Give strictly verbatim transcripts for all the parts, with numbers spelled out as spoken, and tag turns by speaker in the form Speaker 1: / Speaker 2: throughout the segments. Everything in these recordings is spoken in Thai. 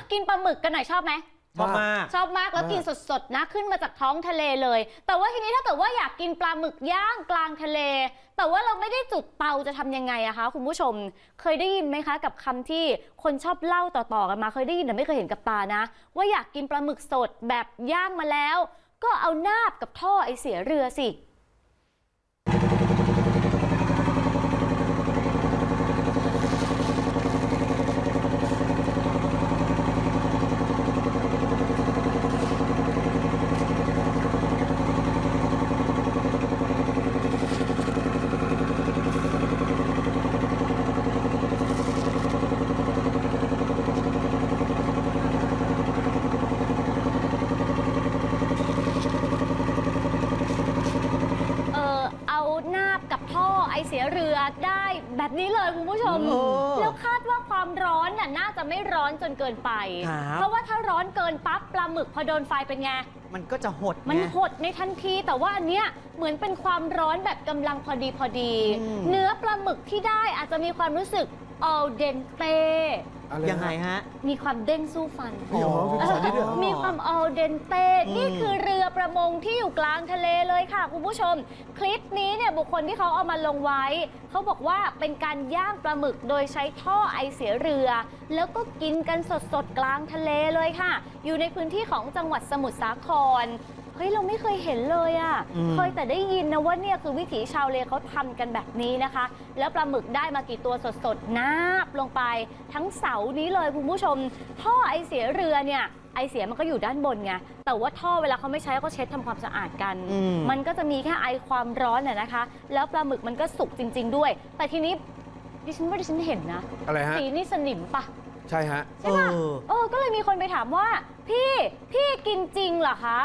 Speaker 1: กินปลาหมึกกันหน่อยชอบไหม
Speaker 2: ชอบมาก
Speaker 1: ชอบมากแล้วกินสดๆนะขึ้นมาจากท้องทะเลเลยแต่ว่าทีนี้ถ้าเกิดว่าอยากกินปลาหมึกย่างกลางทะเลแต่ว่าเราไม่ได้จุดเตาจะทำยังไงอะคะคุณผู้ชมเคยได้ยินไหมคะกับคำที่คนชอบเล่าต่อๆกันมาเคยได้ยินแต่ไม่เคยเห็นกับตานะว่าอยากกินปลาหมึกสดแบบย่างมาแล้วก็เอานาบกับท่อไอเสียเรือสิกับท่อไอเสียเรือได้แบบนี้เลยคุณผู้ชมแล้วคาดว่าความร้อนน่ะน่าจะไม่ร้อนจนเกินไปเพราะว่าถ้าร้อนเกินปั๊บปลาหมึกพอโดนไฟเป็นไง
Speaker 2: มันก็จะหด
Speaker 1: มันหดในทันทีแต่ว่าอันเนี้ยเหมือนเป็นความร้อนแบบกำลังพอดีพอดีเนื้อปลาหมึกที่ได้อาจจะมีความรู้สึกal dente
Speaker 2: ยังไงฮะ
Speaker 1: มีความเด้งสู้ฟันมีความal dente นี่คือเรือประมงที่อยู่กลางทะเลเลยค่ะคุณผู้ชมคลิปนี้เนี่ยบุคคลที่เขาเอามาลงไว้เขาบอกว่าเป็นการย่างปลาหมึกโดยใช้ท่อไอเสียเรือแล้วก็กินกันสดๆกลางทะเลเลยค่ะอยู่ในพื้นที่ของจังหวัดสมุทรสาครเฮ้ยเราไม่เคยเห็นเลยอ่ะเคยแต่ได้ยินนะว่าเนี่ยคือวิถีชาวเลเขาทำกันแบบนี้นะคะแล้วปลาหมึกได้มากี่ตัวสดๆนาบลงไปทั้งเสานี้เลยคุณผู้ชมท่อไอเสียเรือเนี่ยไอเสียมันก็อยู่ด้านบนไงแต่ว่าท่อเวลาเขาไม่ใช้ก็เช็ดทำความสะอาดกันมันก็จะมีแค่ไอความร้อนน่ะนะคะแล้วปลาหมึกมันก็สุกจริงๆด้วยแต่ทีนี้ดิฉันว่าดิฉันเห็นนะ
Speaker 3: อะไรฮะ
Speaker 1: สีนี่สนิมปะ
Speaker 3: ใช่ฮะ
Speaker 1: ใช่ป่ะเออก็เลยมีคนไปถามว่าพี่พี่กินจริงเหรอคะ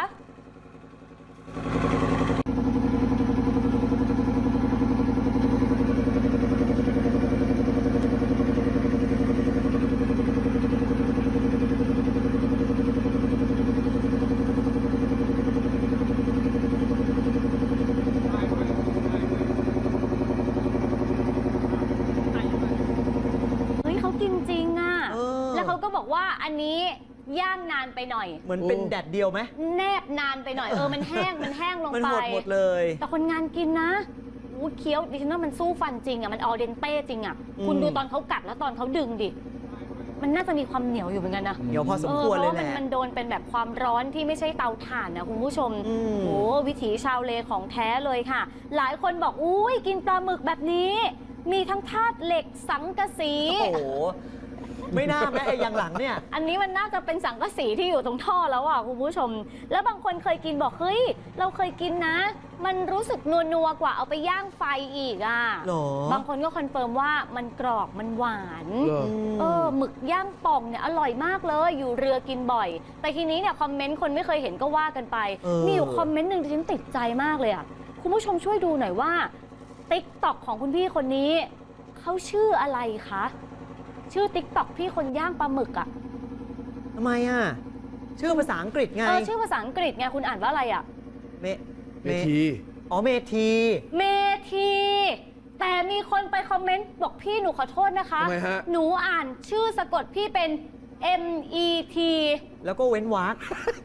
Speaker 1: จริงๆอ่ะแล้วเขาก็บอกว่าอันนี้ย่างนานไปหน่อย
Speaker 2: เหมือนเป็นแดดเดียวไหม
Speaker 1: แนบนานไปหน่อยเออมันแห้งมันแห้งลงไป
Speaker 2: มันหมดหมดเลย
Speaker 1: แต่คนงานกินนะอู้เคี้ยวดิฉันว่ามันสู้ฟันจริงอ่ะมันal denteจริงอ่ะคุณดูตอนเขากัดแล้วตอนเขาดึงดิมันน่าจะมีความเหนียวอยู่เหมือนกันนะ
Speaker 2: เหนียวพอสมควรเลยแหละ
Speaker 1: มันโดนเป็นแบบความร้อนที่ไม่ใช่เตาถ่านนะคุณผู้ชมโอ้วิถีชาวเลของแท้เลยค่ะหลายคนบอกอุ้ยกินปลาหมึกแบบนี้มีทั้งธาตุเหล็กสังกะสี
Speaker 2: โอ้โหไม่น่าแม้ไอ้ยังหลังเนี่ย
Speaker 1: อันนี้มันน่าจะเป็นสังกะสีที่อยู่ตรงท่อแล้วอ่ะคุณผู้ชมแล้วบางคนเคยกินบอกเฮ้ยเราเคยกินนะมันรู้สึกนัวๆกว่าเอาไปย่างไฟอีกอ่ะบางคนก็คอนเฟิร์มว่ามันกรอบมันหวานเออหมึกย่างป่องเนี่ยอร่อยมากเลยอยู่เรือกินบ่อยแต่ทีนี้เนี่ยคอมเมนต์คนไม่เคยเห็นก็ว่ากันไปมีอยู่คอมเมนต์หนึ่งที่ฉันติดใจมากเลยอ่ะคุณผู้ชมช่วยดูหน่อยว่าติ๊กต็อกของคุณพี่คนนี้เขาชื่ออะไรคะชื่อติ๊กต็อกพี่คนย่างปลาหมึกอ่ะ
Speaker 2: ทำไมอ่ะชื่อภาษาอังกฤษไง
Speaker 1: เออชื่อภาษาอังกฤษไงคุณอ่านว่าอะไรอ่ะ
Speaker 2: เม
Speaker 3: เมที
Speaker 2: อ๋อเมที
Speaker 1: เมทีแต่มีคนไปคอมเมนต์บอกพี่หนูขอโทษนะคะ
Speaker 3: ทำไมฮะ
Speaker 1: หนูอ่านชื่อสะกดพี่เป็น M E T
Speaker 2: แล้วก็เว้นวรรค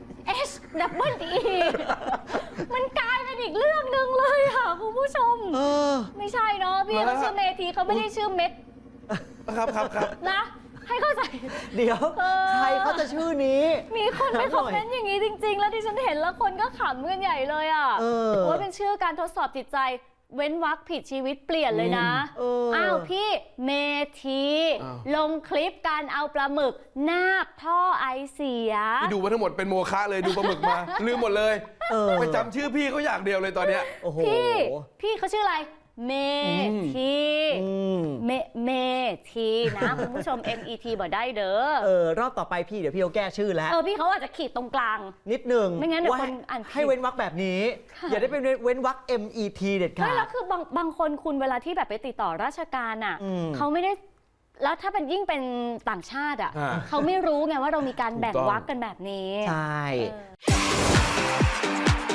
Speaker 1: H double E มันกลายเป็นอีกเรื่องหนึ่งเลยค่ะคุณผู้ชม
Speaker 2: เออ
Speaker 1: ไม่ใช่เนาะพี่เขาชื่อเมทีเขาไม่ได้ชื่อเม็ด
Speaker 3: ครับครับครับ
Speaker 1: นะให้เข้าใจ
Speaker 2: เดี๋ยวใครเขาจะชื่อนี้
Speaker 1: มีคนไปคอมเมนต์อย่างนี้จริงๆแล้วที่ฉันเห็นแล้วคนก็ขำกันใหญ่เลยอ่ะว่าเป็นชื่อการทดสอบจิตใจเว้นวรรคผิดชีวิตเปลี่ยนเลยนะอ้าวพี่เมทีลงคลิปการเอาปลาหมึกนาบท่อไอเสีย
Speaker 3: ที่ดูมาทั้งหมดเป็นโมฆะเลยดูปลาหมึกมาลืมหมดเลยไปจำชื่อพี่เขาอย่างเดียวเลยตอนเนี้ย
Speaker 1: พี่พี่เขาชื่ออะไรเมทีเมเมทีนะคุณผู้ชม M E T บอกได้เด้อ
Speaker 2: เออรอบต่อไปพี่เดี๋ยวพี่เขาแก้ชื่อแล้ว
Speaker 1: เออพี่เขาอาจจะขีดตรงกลาง
Speaker 2: นิดหนึ่ง
Speaker 1: ไม่งั้นเดี๋ยวคนอ่าน
Speaker 2: ให้เว้นวรรคแบบนี้อย่าได้เป็นเว้นวรรค M E T เด็ดขาด
Speaker 1: แล้วคือบางบางคนคุณเวลาที่แบบไปติดต่อราชการอ่ะเขาไม่ได้แล้วถ้าเป็นยิ่งเป็นต่างชาติอ่ะเขาไม่รู้ไงว่าเรามีการแบ่งวรรคกันแบบนี้
Speaker 2: ใช่